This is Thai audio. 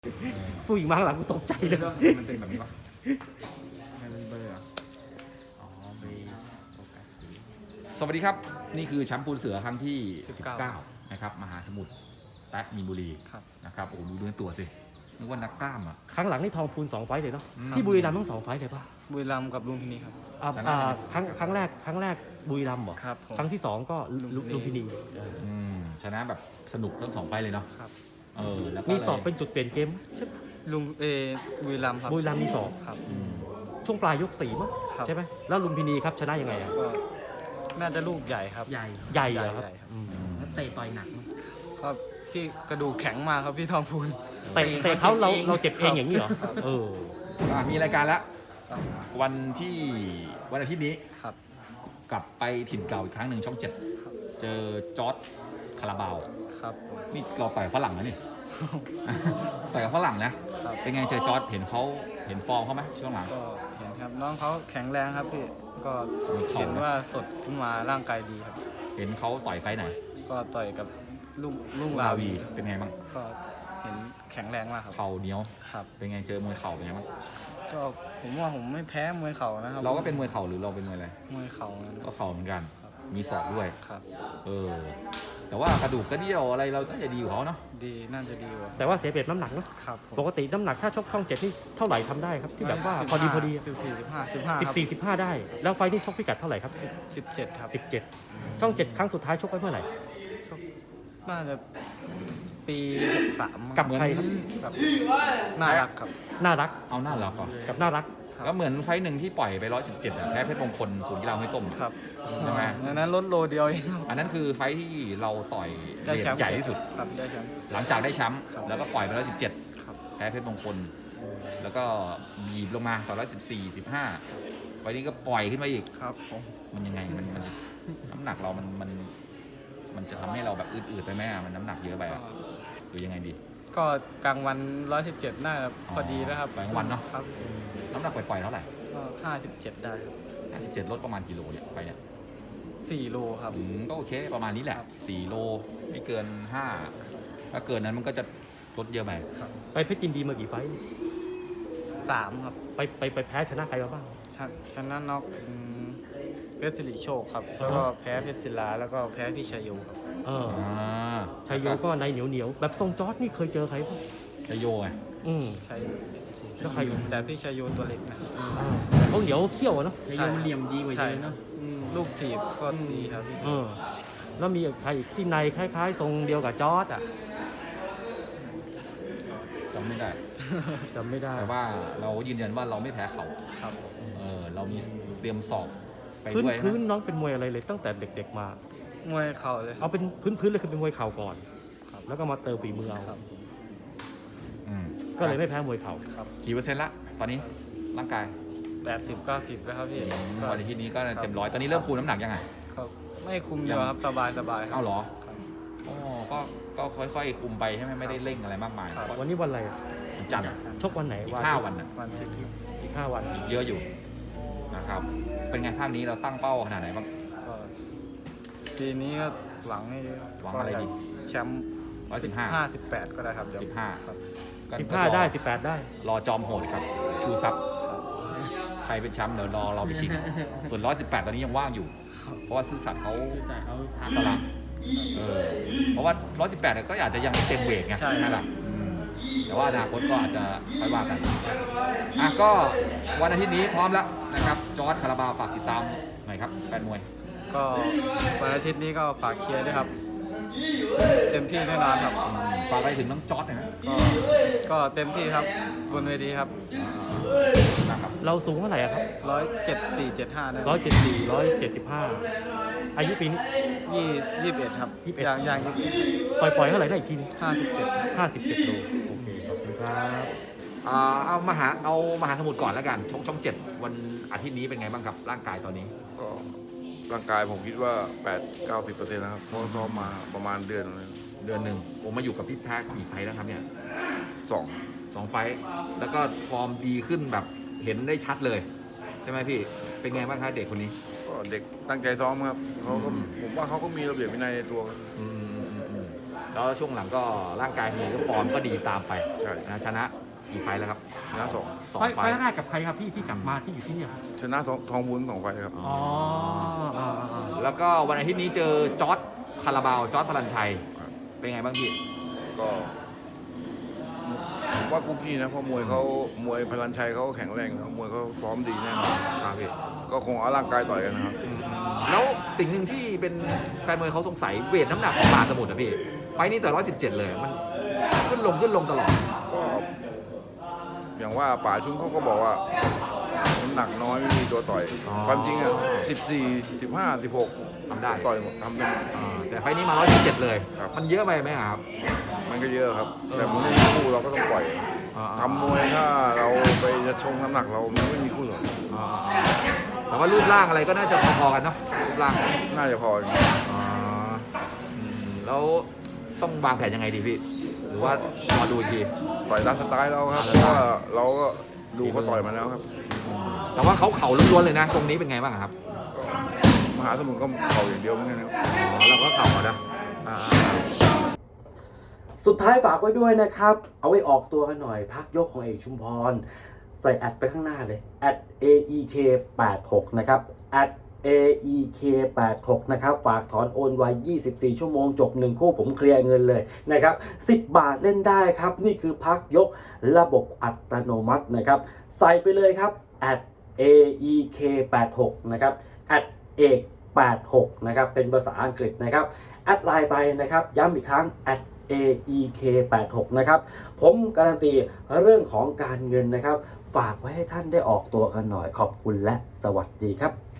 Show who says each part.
Speaker 1: ผู้หญิงมาข้างหลังกูตกใจเลย
Speaker 2: มันเป็นแบบนี้ปะไม่เป็นเบอร์เหรออ๋อเบอร์โฟกัสสวัสดีครับนี่คือแชมป์ปูนเสือครั้งที่ 19นะครับมหาสมุทรแป๊ะมีนบุรีนะครับโอ้ดูเนื้อตัวสินึกว่านักกล้ามอ่ะ
Speaker 1: ครั้งหลังนี่ทองพูน2 ไฟต์เลยเนาะ
Speaker 2: อืม
Speaker 1: ที่บุรีรัมย์ทั้ง2 ไฟต์เลยป่ะ
Speaker 3: บุรีรัมย์กับลุมพินีครับ
Speaker 2: ชนะไหม
Speaker 1: ครั้งแรกบุรีรัมย์เหรอ
Speaker 3: ครับผม
Speaker 1: ครั้งที่2ก็ลุมพินี
Speaker 2: ชนะแบบสนุกทั้ง2 ไฟล์เลยเนาะ
Speaker 3: ครับ
Speaker 2: แล้วก็
Speaker 1: มี
Speaker 2: เลย
Speaker 1: สอบเป็นจุดเปลี่ยนเกมใช่ปะ
Speaker 3: บุรีรัมย์ครับ
Speaker 1: บุรีรัมย์มีสอบ
Speaker 3: ครับ
Speaker 2: อืม
Speaker 1: ช่วงปลายยก4มั้ง
Speaker 3: ครับ
Speaker 1: ใช่ไหมแล้วลุมพินีครับชนะยังไงอะ
Speaker 3: ก็น่าจะลูกใหญ่ครับ
Speaker 1: ใหญ่เหรอครับ
Speaker 3: ใหญ่ครับ
Speaker 1: อืม
Speaker 4: เตะต่อยหนักมั้ย
Speaker 3: ครับพี่กระดูกแข็งมากครับพี่ทองพูน
Speaker 1: เตะเขาเราเจ็บเองอย่างนี้เหรอเออ
Speaker 2: มีรายการแล้ว
Speaker 3: ครับ
Speaker 2: วันอาทิตย์นี้
Speaker 3: ครับ
Speaker 2: กลับไปถิ่นเก่าอีกครั้งหนึ่งช่อง 7 เจอจอร์จคาราบาว
Speaker 3: ครับผม
Speaker 2: นี่เราต่อยฝรั่งนะนี่ ต่อยกับฝรั่งนะครับ เป็นไงเจอจอร์จเห็นฟอร์มเขาไหมช่วงหลัง
Speaker 3: ก็เห็นครับน้องเขาแข็งแรงครับพี่ก็
Speaker 2: มีเข่า
Speaker 3: เห็นว่าสดขึ้นมาร่างกายดีครับ
Speaker 2: เห็นเขาต่อยไฟท์ไหน
Speaker 3: ก็ต่อยกับลุง
Speaker 2: ลา
Speaker 3: ลา
Speaker 2: วี
Speaker 3: วี
Speaker 2: เป็นไงบ้าง
Speaker 3: ก็เห็นแข็งแรงมากครับ
Speaker 2: เข่าเหนียว
Speaker 3: ครับ
Speaker 2: เป็นไงเจอมวยเข่าเป็นไงบ้าง
Speaker 3: ก็ผมว่าผมไม่แพ้มวยเข่านะครับ
Speaker 2: เราก็เป็นมวยเข่าหรือเราเป็นมวยอะไร
Speaker 3: มวยเข่านะ
Speaker 2: ก็เข่าเหมือนกัน มีศอกด้วย
Speaker 3: ครับ
Speaker 2: แต่ว่ากระดูกกระเดี่ยวอะไรเราน่าจะดีกว่าเขาเนาะ
Speaker 3: ดีน่าจะดีกว่า
Speaker 1: แต่ว่าเสียเปรียบน้ำหนักเนาะ
Speaker 3: ครับผม
Speaker 1: ปกติน้ำหนักถ้าชกช่อง 7นี่เท่าไหร่ทำได้ครับที่แบบว่าพอดี
Speaker 3: 14
Speaker 1: 14-15ได้แล้วไฟต์นี่ชกพิกัดเท่าไหร่ครับ
Speaker 3: 17ครับ
Speaker 1: 17 ช่อง 7 ครั้งสุดท้ายชกไว้เมื่อไหร่
Speaker 3: น่าจะปี63
Speaker 1: กับใครครับ
Speaker 3: ครับน่ารักครับ
Speaker 1: น่ารัก
Speaker 2: เอาหน้าเราก่อน
Speaker 1: กับน่ารัก
Speaker 3: ครับ
Speaker 2: ก็เหมือนไฟท์หนึ่งที่ปล่อยไป117แพ้เพชรมงคลศูนย์กีฬาห้วยต้ม
Speaker 3: ครับ
Speaker 2: ใช่ไหม
Speaker 3: อันนั้นลดโลเดียวเอง
Speaker 2: อันนั้นคือไฟท์ที่เราต่อย
Speaker 3: ได้
Speaker 2: เว
Speaker 3: แช
Speaker 2: ท
Speaker 3: มป์
Speaker 2: ใหญ่ที่สุด
Speaker 3: ครับได้แชมป์
Speaker 2: หลังจากได้แชมป์
Speaker 3: ครับ
Speaker 2: แล้วก็ปล่อยไป117
Speaker 3: ครับ
Speaker 2: แพ้เพชรมงคล แล้วก็บีบลงมาต่อ114 15ไฟล์นี้ก็ปล่อยขึ้นมาอีก
Speaker 3: ครับผม
Speaker 2: มันยังไงมันน้ำหนักเรามันจะทำให้เราแบบอืดๆไปไหมอะมันน้ำหนักเยอะไป
Speaker 3: ก็
Speaker 2: อะหรือยังไงดี
Speaker 3: ก็กลางวัน117น่าจะพอดีแล้วครับ
Speaker 2: กลางวันเนอะ
Speaker 3: ครับ
Speaker 2: น้ำหนักปล่อยๆเท่าไหร่
Speaker 3: ก็57ได้ครับ
Speaker 2: 57ลดประมาณกิโลเนี่ยไปเนี่ย
Speaker 3: 4 โลครับ
Speaker 2: ก็โอเคประมาณนี้แหละ
Speaker 3: ครับ
Speaker 2: 4 โลไม่เกิน 5 ถ้าเกินนั้นมันก็จะลดเยอะไป
Speaker 3: ครับ
Speaker 1: ไปเพชรยินดีมากี่ไฟต์
Speaker 3: 3ครับ
Speaker 1: ไปแพ้ชนะใครมาบ้าง
Speaker 3: ชนะน็อกเพชรสิริโชคครับแล้วก็แพ้เพชรศิลาแล้วก็แพ้พี่ชัยโยครับ
Speaker 1: เออ
Speaker 2: า
Speaker 1: ชัยโยก็ในเหนียวแบบทรงจอร์ดนี่เคยเจอใครบ้าง
Speaker 2: ชัยโยไง
Speaker 1: อืม
Speaker 3: ชัย
Speaker 1: แล้วใคร
Speaker 3: แต่พี่ชัยโยตัวเล็กนะครับ
Speaker 1: แต่เขาเหนียวเขี้ยวอะเนาะ
Speaker 4: แต่ยังเหลี่ยมดีกว่าเยอะเนาะ
Speaker 3: ลูกถีบก็ดีครับพี่
Speaker 1: เออแล้วมีใครอีกที่ในคล้ายๆ ทรงเดียวกับจอร์ดอ่ะ
Speaker 2: จำไม่ได้
Speaker 1: จำไม่ได้
Speaker 2: แต่ว่าเรายืนยันว่าเราไม่แพ้เขา
Speaker 3: ครับ
Speaker 2: เรามีเตรียมสอบไป
Speaker 1: พื้น
Speaker 2: ด้วย
Speaker 1: พื้น
Speaker 2: นะ
Speaker 1: น้องเป็นมวยอะไรเลยตั้งแต่เด็กๆมา
Speaker 3: มวยเข่าเลยค
Speaker 1: เอา
Speaker 3: รับ
Speaker 1: เป็นพื้นเลยคือเป็นมวยเข่าก่อน
Speaker 3: ครับ
Speaker 1: แล้วก็มาเติมฝีมือเอา
Speaker 3: ครับ
Speaker 2: อืม
Speaker 1: ก็เลยไม่แพ้มวยเข่า
Speaker 3: ครับ
Speaker 2: กี่เปอร์เซ็นต์ละตอนนี้ร่างกาย
Speaker 3: 80-90แล้วครับพี่ก็
Speaker 2: วันอาทิตย์นี้ก็เต็มร้อยตอนนี้เริ่มคูณน้ำหนักยังไง
Speaker 3: ครับไม่คุมเยอะครับสบายครั
Speaker 2: เอ้าเหรอ
Speaker 3: ครับ
Speaker 2: อ๋อก็ค่อยๆคุมไปใช่ไหมไม่ได้เร่งอะไรมากมาย
Speaker 3: ครับ
Speaker 2: เพราะ
Speaker 1: วันนี้วันอะไรอะ
Speaker 2: วันจันทร์
Speaker 1: ชกวันไหน
Speaker 2: อีก
Speaker 1: วัน
Speaker 2: 5 วันน่ะ
Speaker 3: วันที่
Speaker 1: อีก5 วัน
Speaker 2: อีกเยอะอยู่นะครับ เป็นไงภาคนี้เราตั้งเป้าขนาดไหนบ้าง
Speaker 3: ก็ปีนี้ก็หวังให้
Speaker 2: หวังอะไรดี
Speaker 3: แชมป์
Speaker 2: 115
Speaker 3: 58ก็ได้ครับเดี๋ยว
Speaker 2: 15
Speaker 3: ครับ
Speaker 1: 15 ได้18 ได้
Speaker 2: รอจอมโหดครับ ชูซับ
Speaker 3: ครับ
Speaker 2: ใครเป็นแชมป์เดี๋ยวรอเราไปชิง ส่วน 118 ตอนนี้ยังว่างอยู่ เพราะว่าซื่อสัตย์เขา
Speaker 4: แต่เขาพัก
Speaker 2: สละเพราะว่า 118เนี่ยก็อาจจะยังไม่เต็มเวทไง
Speaker 3: ใช่
Speaker 2: ไหมล่ะแต่ว่าอนาคตก็อาจจะค่อยว่ากันก็วันอาทิตย์นี้พร้อมแล้วนะครับ จอร์จคาราบาวฝากติดตามหน่อยครับแฟนมวย
Speaker 3: ก็วันอาทิตย์นี้ก็ฝากเชียร์ด้วยครับ เต็มที่แน่นอนครับ
Speaker 2: ฝากไปถึงน้องจอร์จหน่อยนะ
Speaker 3: ก็เต็มที่ครับบนเวทีครับ
Speaker 2: นะครับ
Speaker 1: เราสูงเท่าไหร่อะครับ
Speaker 3: 174-75นะ
Speaker 1: 174 175 อายุปีนี้
Speaker 3: 21ครับ
Speaker 1: 21
Speaker 3: อย่าง
Speaker 1: ปล่อยเท่าไหร่ได้อีกทีนึง
Speaker 3: 57
Speaker 1: 57 โล โอเค ขอบคุณครับ
Speaker 2: เอามหาสมุทรก่อนแล้วกันช่อง 7 วันอาทิตย์นี้เป็นไงบ้างครับร่างกายตอนนี้
Speaker 5: ก็ร่างกายผมคิดว่า 8-90%นะครับเพราะซ้อมมาประมาณเดือนนึง
Speaker 2: เดือนหนึ่งผมมาอยู่กับพี่แพ้กี่ไฟล์แล้วครับเนี่ย
Speaker 5: สอง
Speaker 2: 2 ไฟล์แล้วก็ฟอร์มดีขึ้นแบบเห็นได้ชัดเลย ใช่ไหมพี่ เป็นไงบ้างครับเด็กคนนี้
Speaker 5: ก็เด็กตั้งใจซ้อมครับเขาก็ผมว่าเขาก็มีระเบียบวินัยในตัว
Speaker 2: อืมแล้วช่วงหลังก็ร่างกายมีก็ฟอร์มก็ดีตามไป
Speaker 5: ใช่
Speaker 2: นะชนะกี่ไฟล์แล้วครับ
Speaker 5: ชนะสอง
Speaker 2: สอง
Speaker 1: ไฟ
Speaker 2: ไฟ
Speaker 1: ล์
Speaker 2: ล์
Speaker 1: แรกกับใครครับพี่ที่กลับมาที่อยู่ที่เนี่ยครับ
Speaker 5: ชนะทองวุ้น2 ไฟล์ครับ
Speaker 1: อ๋ออ่า
Speaker 2: แล้วก็วันอาทิตย์นี้เจอจอร์ดคาราบาวจอร์ดพลันชัย เป็นไงบ้างพี่
Speaker 5: ก็ผมว่าคุกกี้นะเพราะมวยพลันชัยเขาแข็งแรงนะมวยเขาซ้อมดีแน่นอน
Speaker 2: ครับพี่
Speaker 5: ก็คงเอาร่างกายต่อยกันนะครับ
Speaker 2: แล้วสิ่งหนึ่งที่เป็นแฟนมวยเขาสงสัยเวทน้ำหนักของมหาสมุทรนะพี่ ไฟล์นี้แต่117 เลย มันขึ้นลงตลอด
Speaker 5: ก็อย่างว่าป่าชุนเขาก็บอกว่าน้ำหนักน้อยไม่มีตัวต่อย ความจริงอ่ะ14 15 16
Speaker 2: ทำได้
Speaker 5: ต่อยหมดทำได้หมด
Speaker 2: แต่ไฟล์นี้มา117 เลย
Speaker 5: ครับ
Speaker 2: มันเยอะไปไหมครับ
Speaker 5: มันก็เยอะครับ แต่มันไม่มีคู่เราก็ต้องปล่อยทำมวยถ้าเราไปจะชงน้ำหนักเรามันไม่มีคู่หรอก
Speaker 2: แต่ว่ารูปร่างอะไรก็น่าจะพอๆกันเนาะรูปร่าง
Speaker 5: น่าจะพอ
Speaker 2: แล้วต้องวางแผนยังไงดีพี่ หรือว่ารอดูอีกที
Speaker 5: ต่อยตามสไตล์เราครับเพราะว่าเราก็ดูเขาต่อยมาแล้วครับ
Speaker 2: แต่ว่าเขาล้วนๆเลยนะ ตรงนี้เป็นไงบ้างครับ
Speaker 5: มหาสมุทรก็เข่าอย่างเดียวเหมือนกันครับ
Speaker 2: เราก็เข่านะ
Speaker 6: สุดท้ายฝากไว้ด้วยนะครับ เอาไว้ออกตัวกันหน่อย พักยกของเอกชุมพร ใส่แอดไปข้างหน้าเลย @aek86 นะครับ @aek86 นะครับ ฝากถอนโอนไว24 ชั่วโมงจบ1คู่ผมเคลียร์เงินเลยนะครับ 10 บาทเล่นได้ครับ นี่คือพักยกระบบอัตโนมัตินะครับ ใส่ไปเลยครับ @aek86 นะครับ @aek86 นะครับ เป็นภาษาอังกฤษนะครับ แอดไลน์ไปนะครับ ย้ำอีกครั้ง @aek86 นะครับ ผมการันตีเรื่องของการเงินนะครับ ฝากไว้ให้ท่านได้ออกตัวกันหน่อย ขอบคุณและสวัสดีครับ